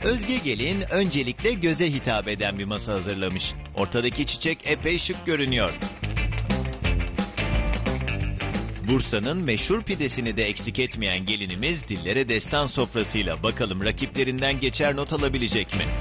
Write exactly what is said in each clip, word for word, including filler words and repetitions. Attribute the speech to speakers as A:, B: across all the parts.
A: Özge Gelin öncelikle göze hitap eden bir masa hazırlamış. Ortadaki çiçek epey şık görünüyor. Bursa'nın meşhur pidesini de eksik etmeyen gelinimiz dillere destan sofrasıyla bakalım rakiplerinden geçer not alabilecek mi?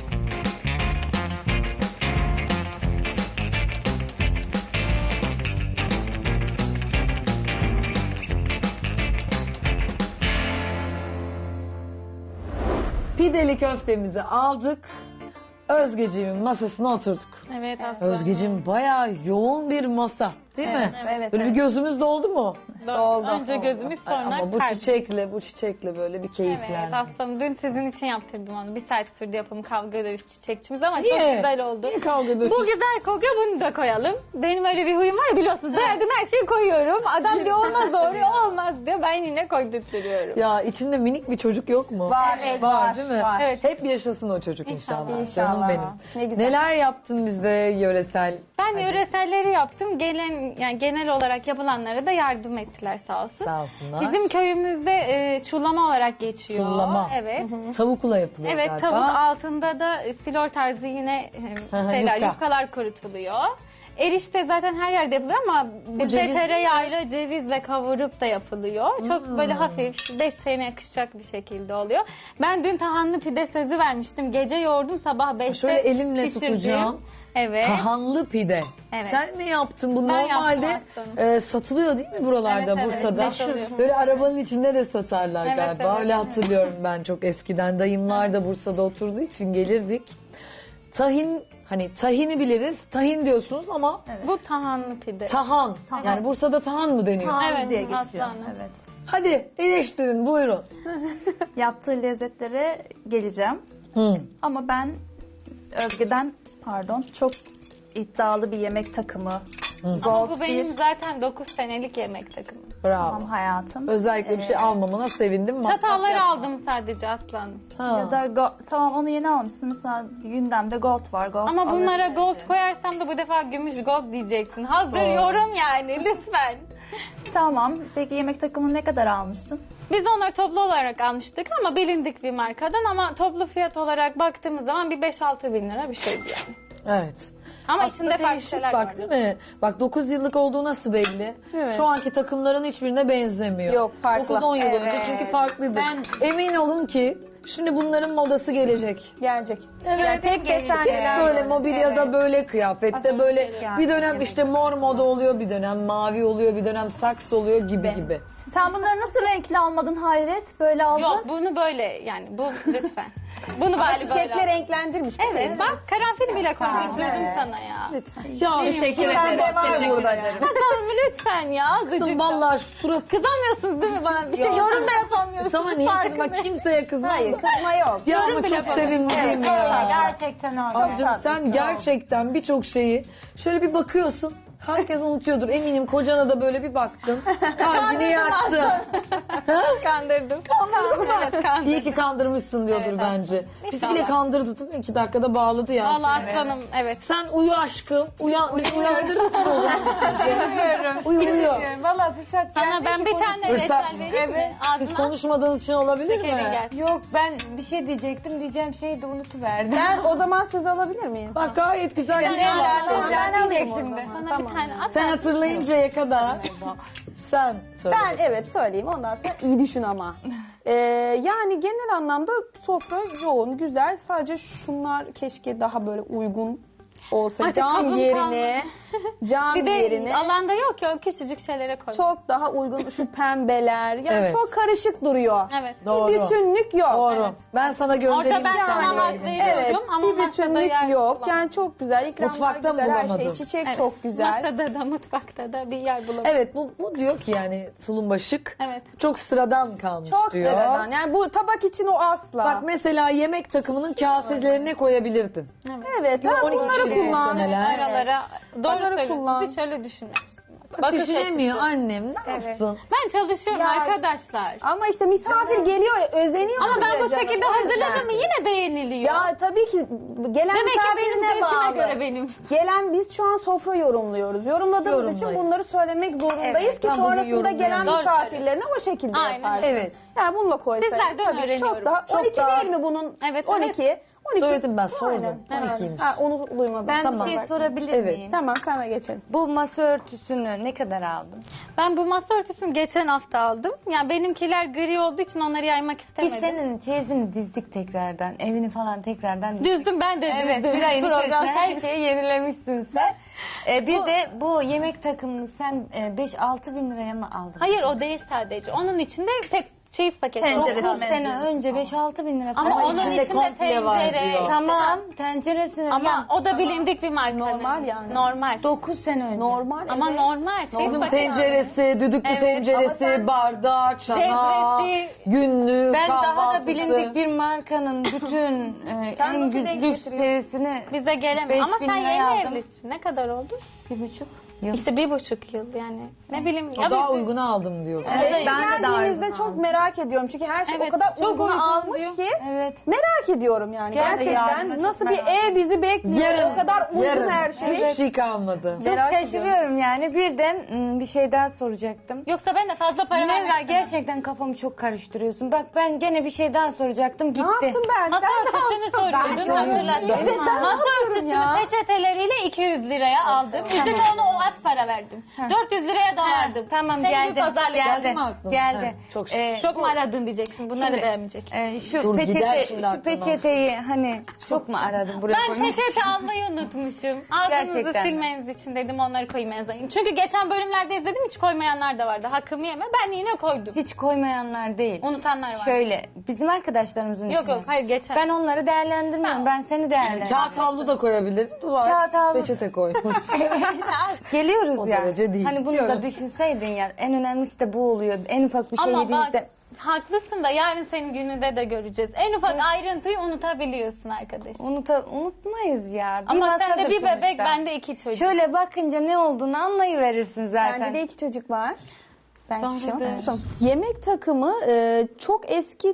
B: Pideli köftemizi aldık. Özgeciğimin masasına oturduk.
C: Evet aslında.
B: Özgeciğim bayağı yoğun bir masa değil mi?
D: evet,
B: Böyle
D: evet.
B: bir gözümüz doldu mu?
C: Doldu. Önce gözümüz sonra
B: Ama bu
C: kalp.
B: çiçekle bu çiçekle böyle bir
C: Evet
B: keyiflendim.
C: aslanım dün sizin için yaptırdım onu. Bir saat sürdü yapımı kavga dövüş çiçekçimiz ama
B: Niye?
C: çok güzel oldu.
B: Niye kavga dövüş?
C: Bu güzel kokuyor bunu da koyalım. Benim öyle bir huyum var ya biliyorsunuz. Beğendim her şeyi koyuyorum. Adam diyor olmaz doğru olmaz diyor. Ben yine koydurtuyorum.
B: Ya içinde minik bir çocuk yok mu?
D: Var,
B: var,
D: var,
B: değil mi?
D: var.
C: Evet.
B: Hep yaşasın o çocuk inşallah.
C: İnşallah.
D: İnşallah.
B: Canım benim.
D: Ne güzel.
B: Neler yaptın bizde yöresel?
C: Ben yöreselleri yaptım. Gelen yani genel olarak yapılanlara da yardım ettiler sağ olsun.
B: Sağ olsunlar.
C: Bizim köyümüzde e, çullama olarak geçiyor.
B: Çullama.
C: Evet.
B: Tavukla yapılıyor
C: Evet
B: galiba.
C: tavuk altında da e, silor tarzı yine e,
B: Hı hı,
C: şeyler
B: yufka.
C: yufkalar kurutuluyor. Erişte zaten her yerde yapılıyor ama bizde
B: ceviz
C: tereyağıyla cevizle kavurup da yapılıyor. Çok böyle hafif beş çayına yakışacak bir şekilde oluyor. Ben dün tahanlı pide sözü vermiştim. Gece yoğurdum sabah beşte
B: Şöyle elimle
C: pişirdim.
B: tutacağım.
C: Evet.
B: Tahanlı pide.
C: Evet.
B: Sen mi yaptın? Bu
C: Ben
B: normalde
C: yaptım
B: e, satılıyor değil mi buralarda
C: Evet, evet,
B: Bursa'da?
C: satılıyor.
B: Böyle arabanın içinde de satarlar
C: Evet,
B: galiba.
C: evet.
B: Öyle hatırlıyorum ben çok eskiden. Dayımlar da Bursa'da oturduğu için gelirdik. Tahin, hani tahini biliriz. Tahin diyorsunuz ama
C: Bu tahanlı pide.
B: tahan. Yani Bursa'da tahan mı deniyor?
E: Tahan
C: Evet,
E: diye geçiyor.
C: aslanım.
E: Evet.
B: Hadi eleştirin buyurun.
E: Yaptığı lezzetlere geleceğim.
B: Hı.
E: Ama ben Özge'den pardon çok iddialı bir yemek takımı.
C: Ama
E: Gold
C: bu benim
E: bir
C: zaten dokuz senelik yemek takımım.
B: Bravo.
E: tamam hayatım.
B: Özellikle bir şey almamana sevindim. Masraf
C: Çatalları
B: yapma.
C: aldım sadece aslanım.
B: Ha.
E: Ya da go- tamam onu yeni almışsın. Mesela gündemde gold var. Gold
C: Ama bunlara
E: alabilirim.
C: gold koyarsam da bu defa gümüş gold diyeceksin. Hazır yorum yani lütfen.
E: Tamam. Peki yemek takımını ne kadar almıştın?
C: Biz onları toplu olarak almıştık ama bilindik bir markadan ama toplu fiyat olarak baktığımız zaman bir beş altı bin lira bir şeydi yani.
B: Evet.
C: Ama
B: Aslında
C: içinde farklı
B: değişik
C: şeyler
B: bak
C: vardı.
B: değil mi? Bak dokuz yıllık olduğu nasıl belli?
D: Evet.
B: Şu anki takımların hiçbirine benzemiyor.
D: Yok, farklı.
B: dokuz on yıl önce
D: Evet.
B: çünkü farklıydı.
C: Ben-
B: Emin olun ki şimdi bunların modası gelecek.
D: Gelecek.
B: Evet.
D: Yani tek desenliler.
B: Böyle mobilyada
D: Evet.
B: böyle kıyafette böyle
D: şeyler.
B: bir dönem işte mor moda oluyor, bir dönem mavi oluyor, bir dönem saks oluyor gibi gibi.
E: Sen bunları nasıl renkli almadın Hayret? Böyle aldın.
C: Yok bunu böyle yani bu lütfen. Bunu
D: Ama
C: bari
D: çiçekle
C: böyle.
D: renklendirmiş.
C: Evet bak karanfil bile koydurdum
D: Evet.
C: sana ya.
D: Lütfen.
B: Ya
C: Teşekkür
D: Ben de var burada yani.
C: Bakalım lütfen ya azıcık
B: kızım
C: da.
B: vallahi şu surat
C: Kızamıyorsunuz değil mi bana? Bir şey
B: Ya.
C: yorum da yapamıyorsunuz.
B: sana niye kızma
C: farkındayım.
B: kimseye kızma.
D: Hayır kızma yok.
B: Ya
C: Yorum
B: ama
C: bile
B: çok
C: yapamıyorum.
B: sevimli değil mi ya?
D: Gerçekten öyle.
B: Abicim sen gerçekten birçok şeyi şöyle bir bakıyorsun. Herkes unutuyordur eminim kocana da böyle bir baktın. Kalbini yaktın.
C: Kandırdım. Evet kandırdım.
B: İyi ki kandırmışsın diyordur
C: Evet,
B: bence. Bizi
C: İnşallah.
B: bile kandırdı değil mi? İki dakikada bağladı ya.
C: Vallahi
B: seni.
C: aslanım evet.
B: Sen uyu aşkım. Uyan, bizi uyandırırsın oğlum.
C: Bilmiyorum.
B: Uyu uyu.
F: Bilmiyorum. Valla fırsat
C: Sana ben bir tane
B: Fırsat
C: reçel
B: mı?
C: vereyim mi?
B: Siz
C: Ağzına
B: konuşmadığınız için olabilir
C: şekerin
B: mi?
C: gelsin.
F: Yok ben bir şey diyecektim. Diyeceğim şeyi de unutuverdim.
D: Ben o zaman söz alabilir miyim?
B: Bak gayet güzel
C: Yani
B: gidiyor.
C: yani
D: Ben alayım o
F: şimdi.
D: zaman.
C: Bana
D: Tamam.
C: bir tane at.
B: Sen hatırlayıncaya kadar sen söyle.
D: Ben evet söyleyeyim ondan sonra iyi düşün ama. Ee, yani genel anlamda sofra yoğun, güzel. Sadece şunlar keşke daha böyle uygun olsa.
C: Artık
D: Cam
C: kabım
D: yerine, cam
C: Bir de
D: yerine
C: alanda yok ya o küçücük şeylere koy.
D: çok daha uygun şu pembeler. Yani
B: Evet.
D: çok karışık duruyor.
C: Evet.
B: Doğru.
D: Bir bütünlük yok.
B: Doğru. Ben sana
C: Orada
B: göndereyim
C: ben sana
B: İstanbul'a
C: hak
B: gidince.
C: veriyorum
D: Evet,
C: ama
D: bir
C: masada
D: bütünlük
C: yer
D: yok.
C: bulamadım.
D: Yani çok güzel. İkramlar
B: Mutfakta
D: güzel, her şey.
B: bulamadım.
D: Çiçek
C: Evet,
D: çok güzel.
C: Masada da mutfakta da bir yer bulamadım.
B: Evet bu, bu diyor ki yani tulumba şık.
C: Evet.
B: Çok sıradan kalmış
D: Çok
B: diyor.
D: sıradan. Yani bu tabak için o asla.
B: Bak mesela yemek takımının kaselerine koyabilirdin.
D: evet, ha,
B: on iki
D: bunları
B: kişilik
D: kullan.
B: muhtemelen.
C: Aralara doğru
D: Onları
C: söylüyorsun.
D: kullan.
C: Hiç öyle düşünmemiştim.
B: Bak
C: Bakış
B: düşünemiyor
C: açısı.
B: annem ne yapsın?
C: Ben çalışıyorum
D: Ya-
C: arkadaşlar.
D: Ama işte misafir geliyor ya, özeniyor.
C: Ama ben bu
D: bize
C: şekilde
D: canım. O yüzden.
C: hazırladım mı yine beğeniliyor.
D: Ya tabii ki gelen
C: Demek ki benim
D: misafirine
C: zevkime
D: bağlı.
C: göre benim.
D: Gelen biz şu an sofra yorumluyoruz. Yorumladığımız için
B: Yorumlayın.
D: bunları söylemek zorundayız
E: Evet,
D: ki
B: ben bugün
D: sonrasında gelen
B: yorumlayamam.
C: Doğru
D: misafirlerine o şekilde
C: Aynen.
D: yaparsın.
B: Evet.
D: Yani bununla koysaydın
C: Sizlerden
D: tabii ki çok
C: öğreniyorum.
D: daha.
B: Çok
D: on iki
B: daha-
D: değil mi bunun?
C: Evet,
D: on iki. on iki.
B: Söyledim ben, sordum.
D: Aynen.
B: on ikiymiş.
D: Ha, onu duymadım.
E: Ben
B: Tamam.
E: bir şey sorabilir
B: Evet.
E: miyim?
D: Tamam sana geçelim.
E: Bu masa örtüsünü ne kadar aldın?
C: Ben bu masa örtüsünü geçen hafta aldım. Yani benimkiler gri olduğu için onları yaymak
E: Biz
C: istemedim.
E: senin çeyizini dizdik tekrardan. Evini falan tekrardan dizdik.
C: Düzdüm ben de
E: Evet,
C: düzdüm.
E: bir ayın
C: Program-
E: içerisinde her şeyi yenilemişsin sen. Ee, bir de bu yemek takımını sen e, beş altı bin liraya mı aldın?
C: Hayır o değil sadece. Onun içinde tek çeyiz paketi.
E: Tenceresi
C: oldu.
E: sene önce beş altı bin lira.
C: Ama
E: para
C: onun
B: içinde
C: içinde,
B: komple var
C: tencere.
B: diyor.
C: işte-
E: Tamam tenceresini.
C: Ama o da bilindik bir marka.
D: Normal yani.
C: Normal.
E: dokuz sene önce.
D: Normal.
C: Ama
D: evet.
C: normal. Çeyiz
B: Bizim
C: paketi.
B: tenceresi, düdüklü
C: Evet,
B: tenceresi,
C: ama sen-
B: bardak, çanağı,
C: Cezvesi.
B: günlüğü,
E: Ben daha
B: kahvaltısı.
E: da bilindik bir markanın bütün e,
D: Sen
E: en
D: nasıl
E: gü-
D: denk
E: lüks
D: getiriyorsun?
E: serisini
C: Bize gelemiyor.
E: beş
C: Ama
E: bin
C: sen
E: liraya
C: yeni
E: aldım.
C: evlisin. Ne kadar oldu?
E: bir buçuk yıl.
C: İşte bir buçuk yıl yani. Ne bileyim.
B: O
C: Ya
B: daha
C: biz-
B: uygunu aldım diyor.
D: Evet,
E: ben de daha
D: geldiğimizde
E: uygun
D: çok
E: aldım.
D: merak ediyorum. Çünkü her şey
C: Evet,
D: o kadar
C: çok
D: uygun
C: uygun
D: almış
C: diyor.
D: ki.
E: Evet.
D: Merak ediyorum yani.
E: Gerçekten
D: Gerçekten
E: çok
D: nasıl bir
E: merak
D: ev bizi bekliyor. O kadar uygun
B: yarın.
D: her şey.
B: Hiçbir şey kalmadı.
E: Çok
D: Merak
E: şaşırıyorum yani. Bir de m, bir şey daha soracaktım.
C: Yoksa ben de fazla para
E: Nevra
C: vermek istemem.
E: gerçekten kafamı çok karıştırıyorsun. Bak ben gene bir şey daha soracaktım gitti.
D: Ne yaptım ben?
C: Masa
D: Ben ne
C: örtüsünü
D: yaptım?
C: soruyordun hatırladım.
D: Evet, ben ne
C: Masa
D: yapıyorum
C: örtüsünü
D: ya?
C: peçeteleriyle iki yüz liraya aldım. Üzerine onu o az para verdim. dört yüz liraya da vardım.
E: Tamam
C: Senin
E: geldi.
C: bir pazarlık
E: Geldi.
B: Geldi mi aklına?
E: Geldi.
B: He, çok şükür.
E: Ee,
C: Çok
E: bu-
C: mu aradın diyecek şimdi. Bunları
E: Şimdi-
C: da beğenmeyecek.
E: e, şu
B: Dur, gider
E: peçete,
B: şimdi
E: şu
B: aklından.
E: peçeteyi hani çok mu aradın buraya
C: Ben
E: koymak için?
C: peçete almayı unutmuşum. Ağzınızı
E: Gerçekten mi?
C: silmeniz için dedim onları koyayım en azından. Çünkü geçen bölümlerde izledim hiç koymayanlar da vardı. Hakkımı yeme. Ben yine koydum.
E: Hiç koymayanlar değil.
C: Unutanlar var.
E: Şöyle bizim arkadaşlarımızın
C: Yok
E: içinde.
C: yok hayır geçen.
E: Ben onları değerlendirmiyorum.
C: Ha.
E: Ben seni değerlendiriyorum.
B: Kağıt havlu da koyabilirdi. Duvar
E: Kağıt havlu.
B: peçete koymuş.
E: Geliyoruz
B: O
E: ya.
B: derece değil.
E: Hani bunu da düşünseydin ya. En önemlisi de bu oluyor. En ufak bir şey
C: Ama
E: yediğimizde.
C: bak haklısın da yarın senin gününde de göreceğiz. En ufak ayrıntıyı unutabiliyorsun arkadaşım.
E: Unuta, unutmayız ya. Bir
C: Ama sen de
E: masadır
C: bir bebek
E: sonuçta.
C: bende iki çocuk.
E: Şöyle bakınca ne olduğunu anlayıverirsin zaten.
D: Bende de iki çocuk var. Ben hiçbir şey
C: Doğrudur.
D: unutmadım. Yemek takımı e, çok eski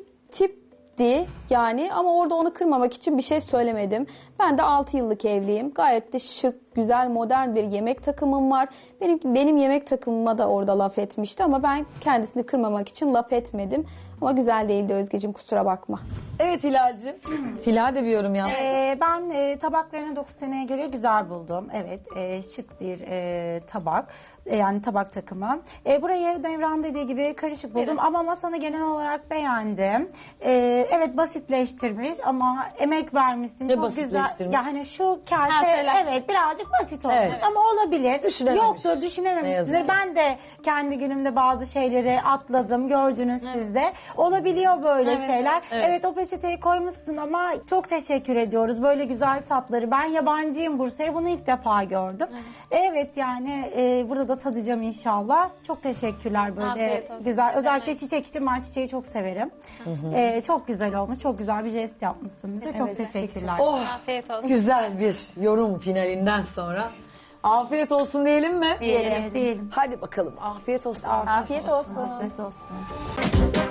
D: tipti yani ama orada onu kırmamak için bir şey söylemedim. Ben de altı yıllık evliyim. Gayet de şık, güzel, modern bir yemek takımım var. Benim benim yemek takımıma da orada laf etmişti ama ben kendisini kırmamak için laf etmedim. Ama güzel değildi Özgeciğim, kusura bakma.
B: Evet Hilal'cim. Hilal de bir yorum yapsın.
G: Ee, ben e, tabaklarını dokuz seneye göre güzel buldum. Evet, e, şık bir e, tabak. E, yani tabak takımı. E, burayı Devran dediği gibi karışık buldum ama masanı genel olarak beğendim. E, evet basitleştirmiş ama emek vermişsin.
B: Ne
G: Çok güzel.
B: basitleştirmiş?
G: Yani şu kase
C: Kaseler.
G: evet birazcık basit olmuş
B: Evet.
G: ama olabilir.
B: Düşünememiş.
G: Yoktur,
B: Ne yazık
G: düşünememişsindir.
B: ki.
G: Ben de kendi günümde bazı şeyleri atladım. Gördünüz siz de. Olabiliyor böyle şeyler. Evet. o peçeteyi koymuşsun ama çok teşekkür ediyoruz. Böyle güzel tatları. Ben yabancıyım Bursa'ya. Bunu ilk defa gördüm. Evet, yani e, burada da tadacağım inşallah. Çok teşekkürler böyle
C: Afiyet olsun.
G: güzel. Özellikle çiçek için ben çiçeği çok severim. E, çok güzel olmuş. Çok güzel bir jest yapmışsınız. Çok teşekkürler.
B: Oh,
C: Afiyet olsun.
B: güzel bir yorum finalinden sonra. Afiyet olsun diyelim mi?
G: Diyelim. Diyelim.
B: Hadi bakalım afiyet olsun.
D: Afiyet olsun.
E: Afiyet olsun.